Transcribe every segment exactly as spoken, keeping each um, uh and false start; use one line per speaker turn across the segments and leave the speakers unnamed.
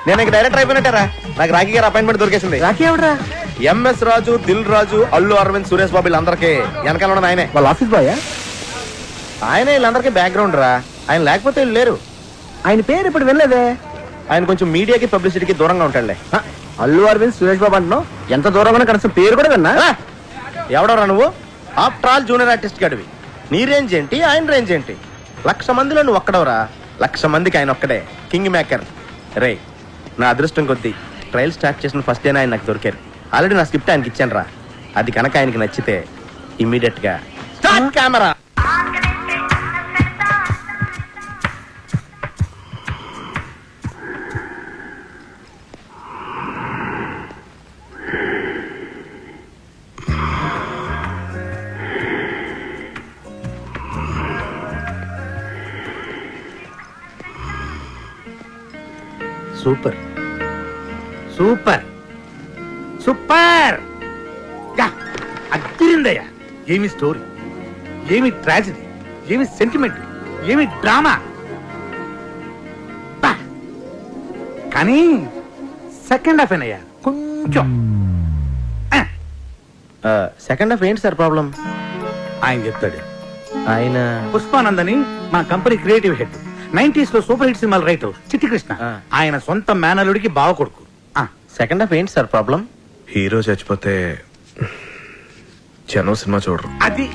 నేను ఇక డైరెక్టర్ అయిపోయినట్టారా. నాకు రాఖీ గారు అపాయింట్మెంట్ దొరికేసింది.
రాఖీ ఎవడరా?
ఎంఎస్ రాజు, దిల్ రాజు, అల్లు అరవింద్, సురేష్ బాబు వీళ్ళందరికీ వెనకాల ఉన్నది ఆయనే.
వాళ్ళ ఆఫీస్ బాయ్?
ఆయనే వీళ్ళందరికీ బ్యాక్గ్రౌండ్ రా. ఆయన లేకపోతే వీళ్ళు లేరు.
ఆయన పేరు ఇప్పుడు వెళ్ళలేదే.
ఆయన కొంచెం మీడియాకి పబ్లిసిటీకి దూరంగా ఉంటాడులే.
అల్లు అరవింద్, సురేష్ బాబు అంటున్నావు, ఎంత దూరంగా కనీసం పేరు కూడా విన్నా.
ఎవడరా నువ్వు? ఆఫ్టర్ ఆల్ జూనియర్ ఆర్టిస్ట్ గడివి. నీ రేంజ్ ఏంటి, ఆయన రేంజ్ ఏంటి? లక్ష మందిలో నువ్వు ఒక్కడవరా. లక్ష మందికి ఆయన ఒక్కడే కింగ్ మేకర్. రే, నా అదృష్టం కొద్దీ ట్రయల్ స్టార్ట్ చేసిన ఫస్ట్ డేనే ఆయన నాకు దొరికారు. ఆల్రెడీ నా స్క్రిప్ట్ ఆయనకి ఇచ్చాను రా. అది కనుక ఆయనకి నచ్చితే ఇమ్మీడియట్ గా start camera.
Super super super. అదిరిందయ్యా. ఏమి స్టోరీ, ఏమి ట్రాజడీ, ఏమి సెంటిమెంట్, ఏమి డ్రామా. కానీ సెకండ్ హాఫ్ ఏనయ్యా కొంచెం.
సెకండ్ హాఫ్ ఏంటి సార్ ప్రాబ్లం?
ఆయన చెప్తాడు.
ఆయన
పుష్పానందని మా కంపెనీ క్రియేటివ్ హెడ్, నైన్టీస్ లో సూపర్ హిట్ సినిమాలు రైటర్ చిట్టి కృష్ణ. ఆయన సొంత మేనలుడికి బావ కొడుకు.
సెకండ్ హాఫ్ ఏంటి సార్ ప్రాబ్లం?
హీరో చచ్చిపోతే జనం సినిమా చూడరు.
అది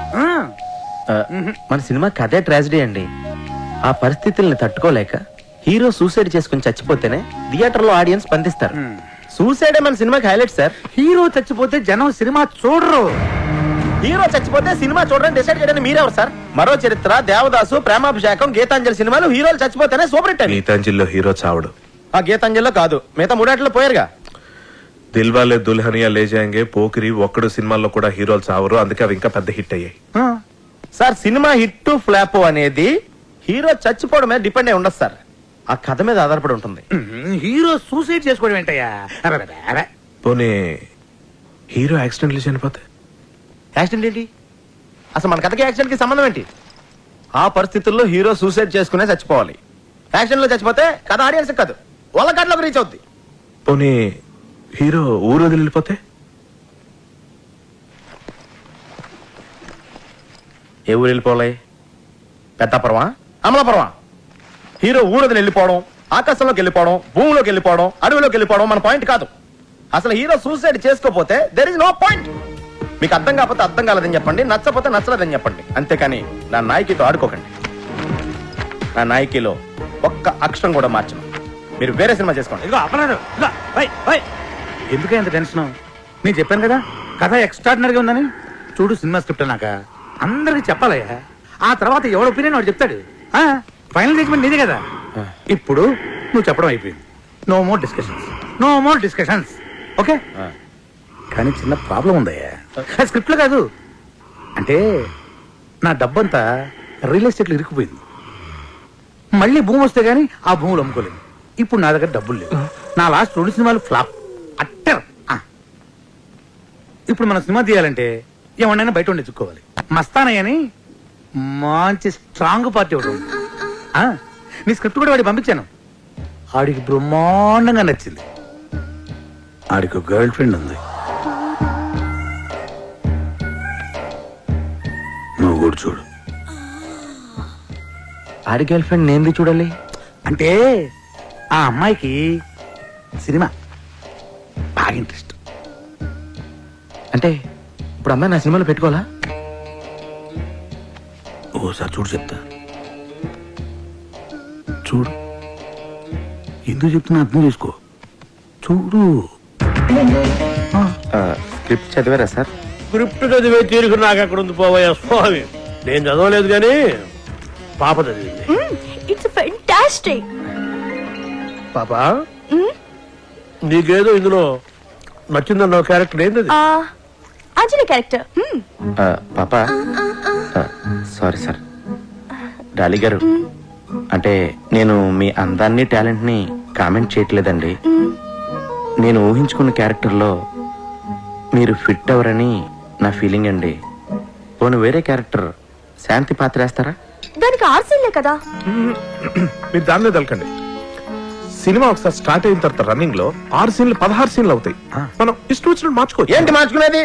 మన సినిమా కథే ట్రాజడీ అండి. ఆ పరిస్థితుల్ని తట్టుకోలేక హీరో సూసైడ్ చేసుకుని చచ్చిపోతేనే థియేటర్ లో ఆడియన్స్ స్పందిస్తారు. సూసైడే మన సినిమాకి హైలైట్ సార్.
హీరో చచ్చిపోతే జనం సినిమా చూడరు.
హీరో చచ్చిపోతే సినిమా చూడడానికి డిసైడ్ చేయడానికి మీరెవరు సార్? మరో చరిత్ర, దేవదాసు, ప్రేమాభిషేకం, గీతాంజలి సినిమాలు హీరోలు చచ్చిపోతేనే సూపర్ హిట్.
గీతాంజలిలో హీరో చావడు.
ఆ గీతాంజలిలో కాదు, మిగతా మూడాట్లో పోయారుగా.
దిల్వాలే దుల్హనియా లే జాయేంగే, పోకిరి, ఒక్కడు సినిమాల్లో కూడా హీరోలు చావరు. అందుకే అవి ఇంకా పెద్ద హిట్ అయ్యాయి.
సార్ సినిమా హిట్ ఫ్లాప్ అనేది హీరో చచ్చిపోవడం మీద డిపెండ్ అయి ఉండదు సార్. ఆ కథ మీద ఆధారపడి ఉంటుంది.
హీరో సూసైడ్ చేసుకోవడం ఏంటయ్యా?
పోనీ హీరో యాక్సిడెంట్లు చనిపోతే?
యాక్సిడెంట్ ఏంటి అసలు? మన కథకి యాక్సిడెంట్ కి సంబంధం ఏంటి? ఆ పరిస్థితుల్లో హీరో సూసైడ్ చేసుకునే చచ్చిపోవాలి. యాక్సిడెంట్ లో చచ్చిపోతే కథ ఆడియన్స్ కాదు, వాళ్ళ కథలోకి రీచ్ అవుద్ది.
పోనీ హీరో ఊరు వదిలి వెళ్ళిపోతే?
ఏ ఊరు వెళ్ళిపోవాలి? పెద్దాపురమా, అమలాపురమా? హీరో ఊరు వదిలి వెళ్ళిపోవడం, ఆకాశంలోకి వెళ్ళిపోవడం, భూమిలోకి వెళ్ళిపోవడం, అడవిలోకి వెళ్ళిపోవడం మన పాయింట్ కాదు. అసలు హీరో సూసైడ్ చేసుకోపోతే దెర్ ఇస్ నో పాయింట్. మీకు అర్థం కాకపోతే అర్థం కాలేదని చెప్పండి, నచ్చపోతే నచ్చలేదని చెప్పండి. అంతేకాని నా నాయకితో ఆడుకోకండి. నా నాయకిలో ఒక్క అక్షరం కూడా మార్చను. మీరు వేరే సినిమా చేసుకోండి.
ఇదిగో అపరాధం. ఎందుకే అంత టెన్షన్? నేను చెప్పాను కదా కథ ఎక్స్ట్రాడినరీగా ఉందని. చూడు సినిమా స్క్రిప్ట్ అన్నాక అందరికి చెప్పాలయ్యా. ఆ తర్వాత ఎవడ ఒపీనియన్ వాడు చెప్తాడు. ఫైనల్ జడ్జ్మెంట్ నీదే కదా. ఇప్పుడు నువ్వు చెప్పడం అయిపోయింది. No more discussions, no more discussions. Okay? కానీ చిన్న ప్రాబ్లం ఉందయ్యా. స్క్రిప్ట్ లో కాదు, అంటే నా డబ్బంతా రియల్ ఎస్టేట్ లో ఇరుక్కుపోయింది. మళ్ళీ భూమి వస్తే గానీ ఆ భూములు అమ్ముకోలేదు. ఇప్పుడు నా దగ్గర డబ్బులు లేవు. నా లాస్ట్ రెండు సినిమాలు ఫ్లాప్ అట్టర్. ఇప్పుడు మన సినిమా తీయాలంటే ఏమన్నా బయట ఉండి ఎత్తుక్కోవాలి. మస్తానయ్య అని మంచి స్ట్రాంగ్ పార్టీ ఒకటి ఉంది. నీ స్క్రిప్ట్ కూడా వాడికి పంపించాను. ఆడికి బ్రహ్మాండంగా నచ్చింది. ఆడికి గర్ల్ ఫ్రెండ్ ఉంది. నువ్వు కూడా చూడు.
ఆడి గర్ల్ ఫ్రెండ్ నేను చూడాలి
అంటే ఆ అమ్మాయికి సినిమా బాగా ఇంట్రెస్ట్.
అంటే ఇప్పుడు అమ్మాయి నా సినిమాలో పెట్టుకోవాలా?
ఓసారి చూడు చెప్తా. చూడు, ఎందుకు చెప్తున్నా అర్థం చేసుకో. చూడు.
స్క్రిప్ట్ చదివారా సార్?
స్క్రిప్ట్ చదివే తీరుకు నాకు ఎక్కడ ఉంది పోవయ్యా స్వామి. నేను చదవలేదు కానీ పాప చదివింది.
It's fantastic.
పాపా, నీకేదో ఇందులో నచ్చిందన్న క్యారెక్టర్ ఏంది?
అంజలి క్యారెక్టర్.
పాపా సారీ సార్. డాలి గారు, అంటే నేను మీ అందాన్ని టాలెంట్ ని కామెంట్ చేయట్లేదండి. నేను ఊహించుకున్న క్యారెక్టర్లో మీరు ఫిట్ అవరని నా ఫీలింగ్ అండి. పోను వేరే క్యారెక్టర్ శాంతి పాత్ర వేస్తారా?
దానికి ఆర్సీలే కదా.
మీరు దాని మీద వెళ్ళకండి. సినిమా ఒకసారి స్టార్ట్ అయిన తర్వాత రన్నింగ్ లో ఆరు సీన్లు పదహారు సీన్లు అవుతాయి. మనం ఇష్టం వచ్చినట్టు మార్చుకోవచ్చు.
ఏంటి మార్చుకునేది?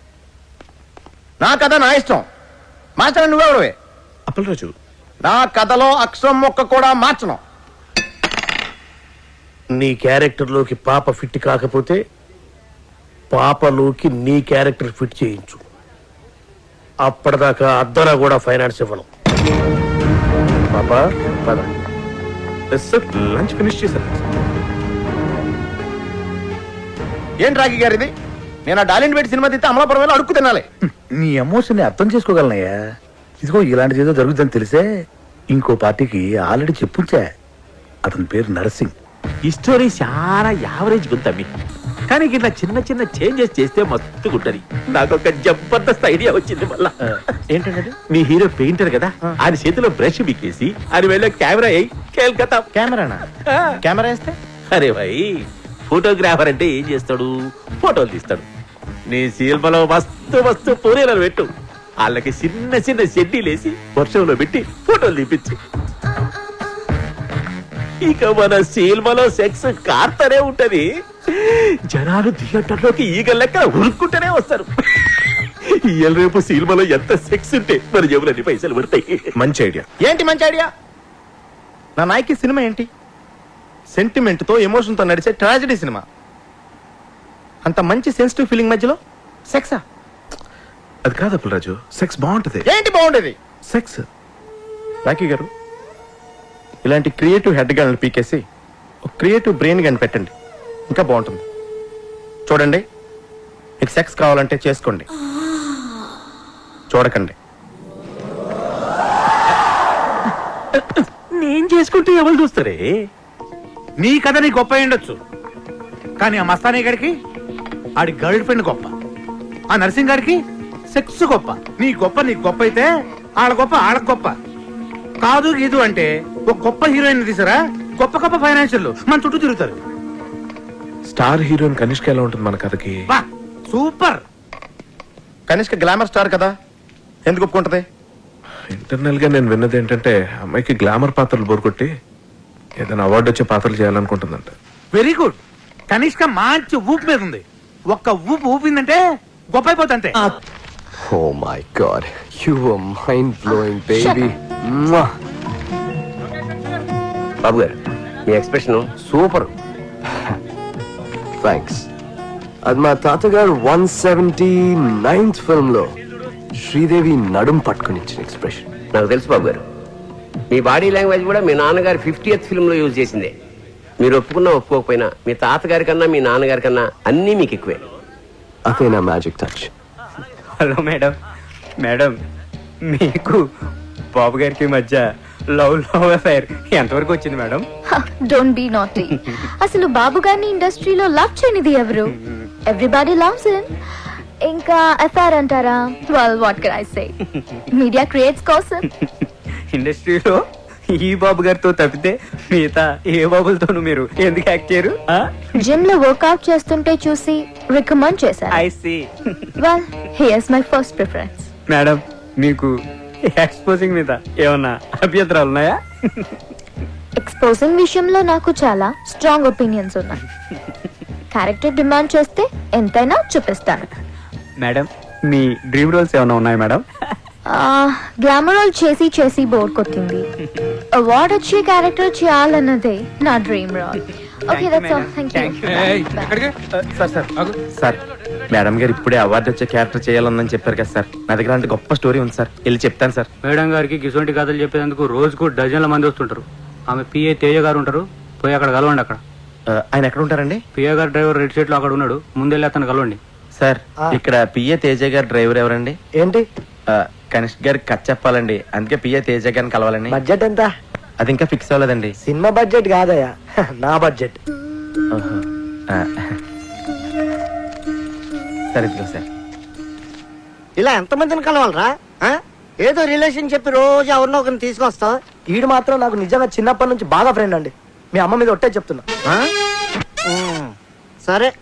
నా కథ నా ఇష్టం, మార్చడం నువ్వెవడవే?
అప్పలరాజు,
నా కథలో అక్షరం మొక్క కూడా మార్చను.
నీ క్యారెక్టర్ లోకి పాప ఫిట్ కాకపోతే పాపలోకి నీ క్యారెక్టర్ ఫిట్ చేయించు. అప్పటిదాకా అద్దరా కూడా ఫైనాన్స్ ఇవ్వను. పాప పద.
సార్ లంచ్ ఫినిష్ చేశాను.
ఏంటి రాఖీ గారు ఇది? నేను ఆ డాలిండ్ పెట్టి సినిమా తీస్తే అమలాపురం అడుక్కు తినాలి.
నీ ఎమోషన్ ని అర్థం చేసుకోగలనయ్యా. ఇదిగో ఇలాంటిది ఏదో జరుగుతుందని తెలిసే ఇంకో పార్టీకి ఆల్రెడీ చెప్పుంచా. అతని పేరు నరసింగ్.
ఈ స్టోరీ చాలా యావరేజ్ గుంతమ్మి, కానీ ఇట్లా చిన్న చిన్న చేంజెస్ చేస్తే మస్తు గుంటది. నాకు ఒక జబర్దస్త్ ఐడియా వచ్చింది మళ్ళా.
ఏంటంటే
మీ హీరో పెయింటర్ కదా, ఆయన చేతిలో బ్రష్ బిక్కేసి ఆయన వెళ్ళే కెమెరా అయ్యి కేల్కతా.
కెమెరానా? కెమెరా వేస్తే
అరే భాయ్, ఫోటోగ్రాఫర్ అంటే ఏం చేస్తాడు? ఫోటోలు తీస్తాడు. నీ సినిమాలో మస్తు మస్తు పూరీలను పెట్టు, వాళ్ళకి చిన్న చిన్న షెడ్డీలేసి వర్షంలో పెట్టి ఫోటోలు తీపించు. ఇక మన సినిమాలో సెక్స్ కార్తనే ఉంటది. జనాలు థియేటర్లోకి ఈగ లెక్క ఉరుక్కుంటూనే వస్తారు. ఇవాళ రేపు సినిమాలో ఎంత సెక్స్ ఉంటే మన జేబులన్నీ పైసలు పడతాయి.
మంచి ఐడియా.
ఏంటి మంచి ఐడియా? నా నాయకి సినిమా ఏంటి? సెంటిమెంట్ తో ఎమోషన్ తో నడిచే ట్రాజడీ సినిమా. అంత మంచి సెన్సిటివ్ ఫీలింగ్ మధ్యలో సెక్సా?
అది కాదు అప్పలరాజు, సెక్స్ బాగుంటది.
ఏంటి బాగుండేది?
సెక్స్.
రాఖీ గారు, ఇలాంటి క్రియేటివ్ హెడ్ గన్లు పీకేసి ఒక క్రియేటివ్ బ్రెయిన్ గన్ పెట్టండి, ఇంకా బాగుంటుంది. చూడండి, మీకు సెక్స్ కావాలంటే చేసుకోండి, చూడకండి.
నేను చేసుకుంటే ఎవరు చూస్తారే?
నీ కథ నీ గొప్ప ఉండొచ్చు, కానీ ఆ మస్తానీ గారికి ఆడి గర్ల్ ఫ్రెండ్ గొప్ప, ఆ నర్సింగ్ గారికి సెక్స్ గొప్ప. నీ గొప్ప నీ గొప్ప అయితే ఆడ గొప్ప ఆడ గొప్ప కాదు. గీదు అంటే ఒక గొప్ప హీరోయిన్ తీసారా, గొప్ప గొప్ప ఫైనాన్షియల్ మన చుట్టూ తిరుగుతారు.
స్టార్ హీరోయిన్ కనిష్క ఎలా ఉంటుంది మన కథకి?
బా సూపర్.
కనిష్క గ్లామర్ స్టార్ కదా, ఎందుకు ఒప్పుకుంటది?
ఇంటర్నల్ గా నేను విన్నది ఏంటంటే అమ్మాయికి గ్లామర్ పాత్రలు బోరుకొట్టి ఏదైనా అవార్డు వచ్చే పాత్రలు చేయాలనుకుంటుందంట.
Very good. కనిష్క మంచి ఊపు మీద ఉంది. ఒక్క ఊపు ఊపిందంటే గొప్ప అయిపోతుంది.
Oh my god, you were mind blowing, baby. Mwah. బాబు గారు, మీ ఎక్స్ప్రెషన్ సూపర్. థ్యాంక్స్. అది మా తాతగారు వన్ సెవెంటీ నైన్త్ ఫిల్మ్ లో శ్రీదేవి నడుం పట్టుకుని ఇచ్చిన ఎక్స్ప్రెషన్.
నాకు తెలుసు బాబు గారు, మీ బాడీ లాంగ్వేజ్ కూడా మీ నాన్నగారు ఫిఫ్టీయత్ ఫిల్మ్ లో యూజ్ చేసిందే. మీరు ఒప్పుకున్నా ఒప్పుకోకపోయినా మీ తాతగారి కన్నా మీ నాన్నగారి కన్నా అన్నీ మీకు ఎక్కువే.
అదే నా magic touch.
Hello madam. Madam, మీకు బాబు గారికి మధ్య లవ్ లవ్ అఫైర్ ఎంతవరకు వచ్చింది మేడం?
Don't be naughty. అసలు బాబు గారిని ఇండస్ట్రీలో లవ్ చేయనిది ఎవరు? Everybody loves him. ఇంకా ఎఫ్ఐఆర్ అంటారా? Well what can I say, media creates కోసం.
ఇండస్ట్రీలో ఈ బాబు గారితో తప్పితే మిగతా ఏ బాబులతోనూ మీరు ఎందుకు యాక్ట్ చేయరు?
జిమ్ లో వర్కౌట్ చేస్తుంటే చూసి రికమెండ్ చేశారు.
I see.
Well here's my first preference.
Madam, మీకు ఎక్స్పోజింగ్ మీద ఏమన్నా అభ్యంతరాలు ఉన్నాయా?
ఎక్స్పోజింగ్ విషయంలో నాకు చాలా స్ట్రాంగ్ ఒపీనియన్స్ ఉన్నాయి. క్యారెక్టర్ డిమాండ్ చేస్తే ఎంతైనా చూపిస్తాను.
మేడం, మీ డ్రీమ్ రోల్స్ ఏమైనా ఉన్నాయా మేడం?
గ్లామర్ రోల్ చేసి చేసి బోర్ కొట్టింది. అవార్డ్ వచ్చే క్యారెక్టర్ చేయాలన్నదే నా dream role. Okay, that's all. Thank you.
Sir sir sir madam గారు ఇప్పుడే అవార్డు వచ్చే క్యారెక్టర్ చేయాలని చెప్పారు కదా సార్. నా దగ్గర అంటే గొప్ప స్టోరీ ఉంది సార్, వెళ్ళి చెప్తాను సార్.
మేడం గారికి గిసొంటి కథలు చెప్పేందుకు రోజుకు డజన్ల మంది వస్తుంటారు. ఆమె పిఏ తేజ గారు ఉంటారు, పోయి అక్కడ కలవండి. అక్కడ
ఆయన ఎక్కడ ఉంటారండి?
పిఏ గారు డ్రైవర్ రెడ్ షర్ట్ లో అక్కడ ఉన్నాడు, ముందెళ్ళి అతను కలవండి.
సార్ ఇక్కడ పిఏ తేజ గారు డ్రైవర్ ఎవరండి?
ఏంటి?
కనిష్క్ గారికి కట్ చెప్పాలండి, అందుకే పిఏ తేజ గారిని కలవాలని.
బడ్జెట్ ఎంత?
అది ఇంకా ఫిక్స్ అవ్వలేదండి.
సినిమా బడ్జెట్ కాదయ్యా, నా బడ్జెట్.
సరే ఇదిగో సార్.
ఇలా ఎంతమందిని కలవాలరా? ఏదో రిలేషన్ చెప్పి రోజు ఎవరినో ఒకరిని తీసుకొస్తావు.
ఈడు మాత్రం నాకు నిజంగా చిన్నప్పటి నుంచి బాగా ఫ్రెండ్ అండి. మీ అమ్మ మీద ఒట్టే చెప్తున్నా.
సరే.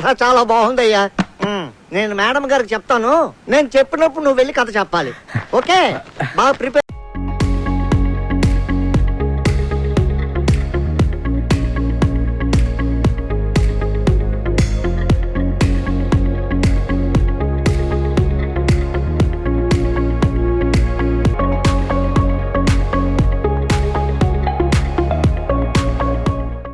చాలా బాగుందయ్యా నేను మేడం గారికి చెప్తాను నేను చెప్పినప్పుడు నువ్వు వెళ్ళి కథ చెప్పాలి ఓకే బాగా ప్రిపేర్